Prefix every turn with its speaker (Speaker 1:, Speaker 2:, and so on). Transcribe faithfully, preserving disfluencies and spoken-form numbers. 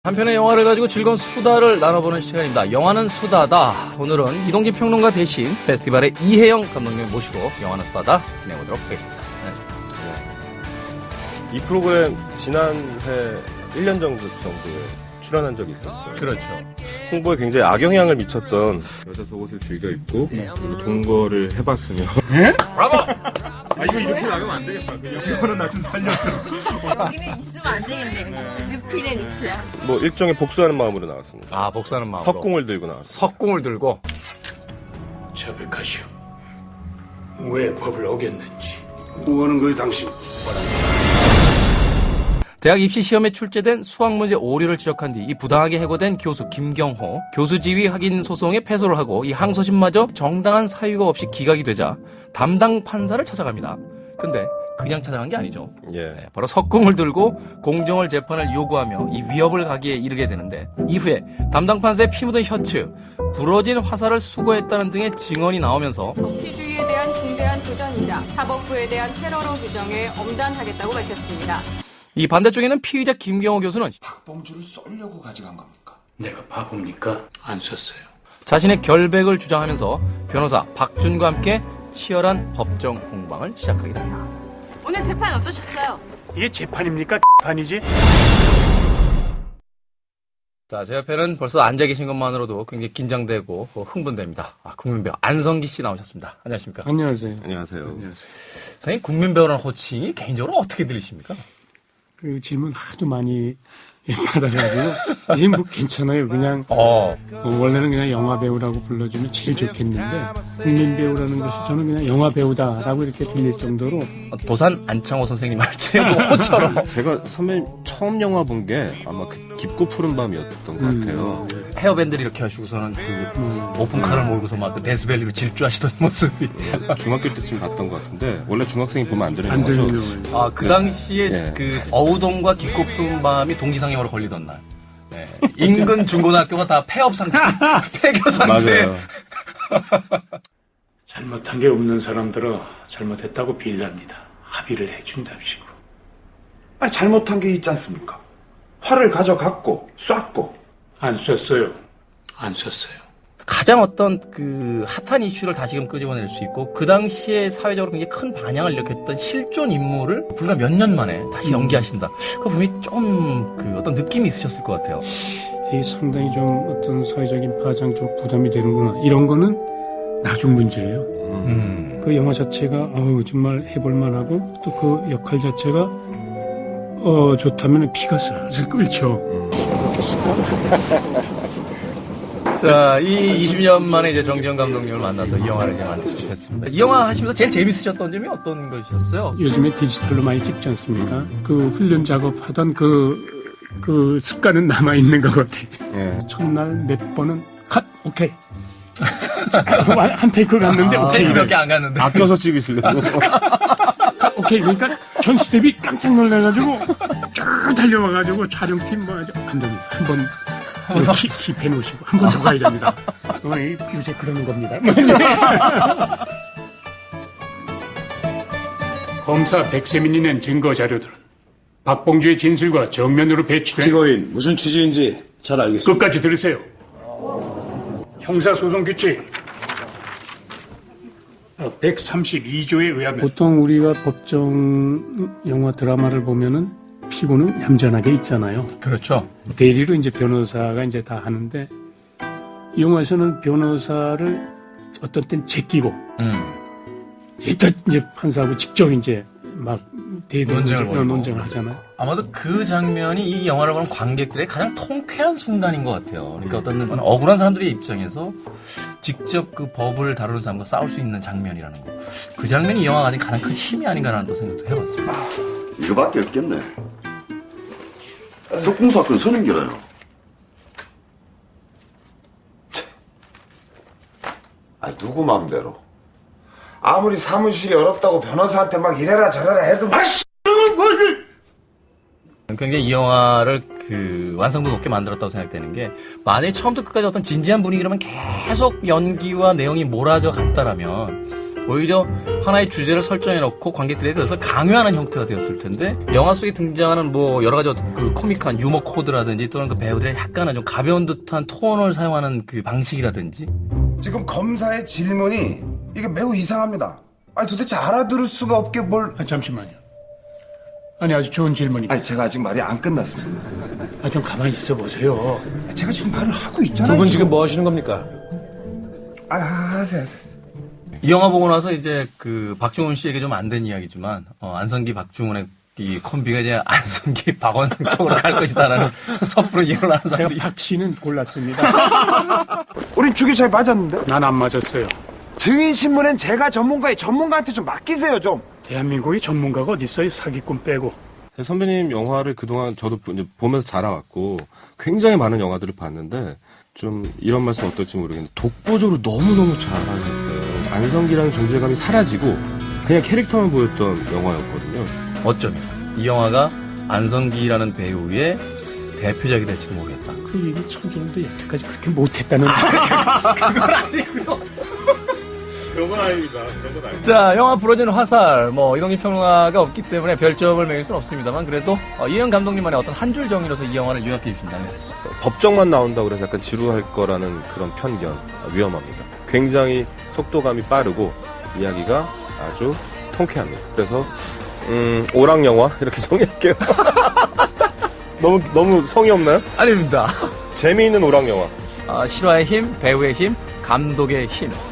Speaker 1: 한 편의 영화를 가지고 즐거운 수다를 나눠보는 시간입니다. 영화는 수다다. 오늘은 이동진 평론가 대신 페스티벌의 이혜영 감독님 모시고 영화는 수다다 진행해보도록 하겠습니다.
Speaker 2: 네. 이 프로그램 지난해 일 년 정도 정도에 출연한 적이 있었어요.
Speaker 1: 그렇죠.
Speaker 2: 홍보에 굉장히 악영향을 미쳤던
Speaker 3: 여자 속옷을 즐겨 입고 그리고 동거를 해봤으며
Speaker 1: 예? 브라보!
Speaker 3: 아 이거 이렇게 나가면 안 되겠다. 이거는 나 좀 살려줘.
Speaker 4: 여기는 있으면 안 되겠네. 늑피네 늑피야.
Speaker 2: 뭐 일종의 복수하는 마음으로 나왔습니다.
Speaker 1: 아, 복수하는 마음으로.
Speaker 2: 석궁을 들고 나왔어요.
Speaker 1: 석궁을 들고.
Speaker 5: 자백하시오. 왜 법을 어겼는지.
Speaker 6: 뭐하는 거예요, 당신?
Speaker 1: 대학 입시 시험에 출제된 수학 문제 오류를 지적한 뒤 이 부당하게 해고된 교수 김경호, 교수 지위 확인 소송에 패소를 하고 이 항소심마저 정당한 사유가 없이 기각이 되자 담당 판사를 찾아갑니다. 근데 그냥 찾아간 게 아니죠.
Speaker 2: 예.
Speaker 1: 네, 바로 석궁을 들고 공정월 재판을 요구하며 이 위협을 가기에 이르게 되는데 이후에 담당 판사의 피 묻은 셔츠, 부러진 화살을 수거했다는 등의 증언이 나오면서
Speaker 7: 법치주의에 대한 중대한 도전이자 사법부에 대한 테러로 규정해 엄단하겠다고 밝혔습니다.
Speaker 1: 이 반대쪽에는 피의자 김경호 교수는
Speaker 6: 박봉주를 쏠려고 가져간 겁니까?
Speaker 5: 내가 바보입니까? 안 썼어요.
Speaker 1: 자신의 결백을 주장하면서 변호사 박준과 함께 치열한 법정 공방을 시작하게 됩니다.
Speaker 7: 오늘 재판 어떠셨어요?
Speaker 5: 이게 재판입니까? 판이지?
Speaker 1: 자, 제 옆에는 벌써 앉아 계신 것만으로도 굉장히 긴장되고 흥분됩니다. 아, 국민배우 안성기 씨 나오셨습니다. 안녕하십니까?
Speaker 3: 안녕하세요.
Speaker 2: 안녕하세요.
Speaker 1: 선생님, 국민배우라는 호칭이 개인적으로 어떻게 들리십니까?
Speaker 8: 그 질문 하도 많이 받아가지고 이제 뭐 괜찮아요. 그냥
Speaker 1: 어.
Speaker 8: 어, 원래는 그냥 영화 배우라고 불러주면 제일 좋겠는데 국민 배우라는 것이 저는 그냥 영화 배우다라고 이렇게 들릴 정도로
Speaker 1: 도산 안창호 선생님 할때 뭐 호처럼
Speaker 2: 제가 선배님 처음 영화 본 게 아마 그 깊고 푸른 밤이었던 것 같아요.
Speaker 1: 헤어밴드를 이렇게 하시고서는 그
Speaker 8: 음.
Speaker 1: 오픈카를 몰고서 막 그 데스밸리로 질주하시던 모습이.
Speaker 2: 중학교 때쯤 봤던 것 같은데 원래 중학생이 보면 안 되는
Speaker 8: 안
Speaker 2: 영화죠.
Speaker 8: 들리는 거예요.
Speaker 1: 아, 그 당시에
Speaker 2: 네.
Speaker 1: 그 어우동과 깊고 푸른 밤이 동기상영으로 걸리던 날. 네. 인근 중고등학교가 다 폐업 상태, 폐교 상태.
Speaker 2: 맞아요.
Speaker 5: 잘못한 게 없는 사람들은 잘못했다고 빌랍니다. 합의를 해준답시고.
Speaker 6: 아, 잘못한 게 있지 않습니까? 활을 가져갔고 쐈고.
Speaker 5: 안 썼어요. 안 썼어요.
Speaker 1: 가장 어떤 그 핫한 이슈를 다시금 끄집어낼 수 있고 그 당시에 사회적으로 굉장히 큰 반향을 일으켰던 실존 인물을 불과 몇 년 만에 다시 연기하신다. 그 분명히 좀 그 어떤 느낌이 있으셨을 것 같아요.
Speaker 8: 이 상당히 좀 어떤 사회적인 파장 좀 부담이 되는구나. 이런 거는 나중 문제예요.
Speaker 1: 음.
Speaker 8: 그 영화 자체가 어우 정말 해볼만하고 또 그 역할 자체가 어 좋다면 피가 슬슬 끓죠.
Speaker 1: 자, 이 이십 년 만에 이제 정지영 감독님을 만나서 이 영화를 이제 만드시게 됐습니다. 이 영화 하시면서 제일 재밌으셨던 점이 어떤 것이셨어요?
Speaker 8: 요즘에 디지털로 많이 찍지 않습니까? 그 훈련 작업하던 그, 그 습관은 남아있는 것 같아요.
Speaker 2: 예.
Speaker 8: 첫날 몇 번은 컷! 오케이. 한 테이크 갔는데
Speaker 1: 아,
Speaker 8: 오케이.
Speaker 1: 테이크밖에 안 갔는데.
Speaker 2: 아껴서 찍으시려고.
Speaker 8: 컷, 오케이. 그러니까 전 스텝이 깜짝 놀라가지고 쭉 달려와가지고 촬영팀 뭐 감독님 한번 킵해 놓으시고 한 번 더 가야 됩니다. 어, 요새 그러는 겁니다.
Speaker 5: 검사 백세민이 낸 증거 자료들은 박봉주의 진술과 정면으로 배치된
Speaker 6: 피고인 무슨 취지인지 잘 알겠습니다.
Speaker 5: 끝까지 들으세요. 형사소송규칙 백삼십이 조에 의하면
Speaker 8: 보통 우리가 법정 영화 드라마를 보면은 피고는 얌전하게 있잖아요.
Speaker 1: 그렇죠.
Speaker 8: 대리로 이제 변호사가 이제 다 하는데 이 영화에서는 변호사를 어떤 땐 제끼고
Speaker 1: 음.
Speaker 8: 일단 이제 판사하고 직접 이제 막 대대
Speaker 1: 논쟁을 벌이고.
Speaker 8: 논쟁을 하잖아요.
Speaker 1: 아마도 그 장면이 이 영화를 보는 관객들의 가장 통쾌한 순간인 것 같아요. 그러니까 어떤 억울한 사람들의 입장에서 직접 그 법을 다루는 사람과 싸울 수 있는 장면이라는 거. 그 장면이 이 영화가 가진 가장 큰 힘이 아닌가라는 또 생각도 해봤습니다.
Speaker 9: 이거밖에 없겠네. 석궁 사건 선임 길어요.
Speaker 6: 아, 누구 마음대로. 아무리 사무실이 어렵다고 변호사한테 막 이래라 저래라 해도 막 씨,
Speaker 1: 굉장히 이 영화를 그 완성도 높게 만들었다고 생각되는 게 만약에 처음부터 끝까지 어떤 진지한 분위기라면 계속 연기와 내용이 몰아져 갔다라면 오히려 하나의 주제를 설정해놓고 관객들에게 그것을 강요하는 형태가 되었을 텐데 영화 속에 등장하는 뭐 여러 가지 그 코믹한 유머 코드라든지 또는 그 배우들의 약간은 좀 가벼운 듯한 톤을 사용하는 그 방식이라든지
Speaker 6: 지금 검사의 질문이 이게 매우 이상합니다. 아니 도대체 알아들을 수가 없게 뭘...
Speaker 8: 아, 잠시만요. 아니 아주 좋은 질문입니다.
Speaker 6: 아니 제가 아직 말이 안 끝났습니다.
Speaker 8: 아, 좀 가만히 있어 보세요.
Speaker 6: 제가 지금 말을 하고 있잖아요.
Speaker 2: 두 분 지금 뭐 하시는 겁니까?
Speaker 6: 아 하세요 하세요.
Speaker 1: 이 영화 보고 나서 이제 그 박중훈 씨에게 좀 안 된 이야기지만 어, 안성기 박중훈의 이 콤비가 이제 안성기 박원상 쪽으로 갈 것이다라는 섣부른 예언을 하는
Speaker 8: 제가
Speaker 1: 사람도 있어요.
Speaker 8: 박 씨는 골랐습니다.
Speaker 6: 우린 주기 잘 맞았는데?
Speaker 8: 난 안 맞았어요.
Speaker 6: 증인신문은 제가 전문가의 전문가한테 좀 맡기세요 좀.
Speaker 8: 대한민국의 전문가가 어디 있어요? 사기꾼 빼고.
Speaker 2: 선배님 영화를 그동안 저도 이제 보면서 자라왔고 굉장히 많은 영화들을 봤는데 좀 이런 말씀 어떨지 모르겠는데 독보적으로 너무너무 잘하셨어요. 안성기라는 존재감이 사라지고 그냥 캐릭터만 보였던 영화였거든요.
Speaker 1: 어쩌면 이 영화가 안성기라는 배우의 대표작이 될지도 모르겠다.
Speaker 8: 그 얘기 참 좋은데 여태까지 그렇게 못했다는.
Speaker 3: 그런 건 아닙니다. 그런 건 아닙니다.
Speaker 1: 자, 영화 부러지는 화살, 뭐, 이동희 평론가가 없기 때문에 별점을 매길 수는 없습니다만, 그래도, 어, 이현 감독님만의 어떤 한 줄 정의로서 이 영화를 요약해 주신다면.
Speaker 2: 법정만 나온다고 그래서 약간 지루할 거라는 그런 편견 위험합니다. 굉장히 속도감이 빠르고 이야기가 아주 통쾌합니다. 그래서 음, 오락 영화 이렇게 정의할게요. 너무 너무 성의 없나요?
Speaker 1: 아닙니다.
Speaker 2: 재미있는 오락 영화.
Speaker 1: 아, 실화의 힘, 배우의 힘, 감독의 힘.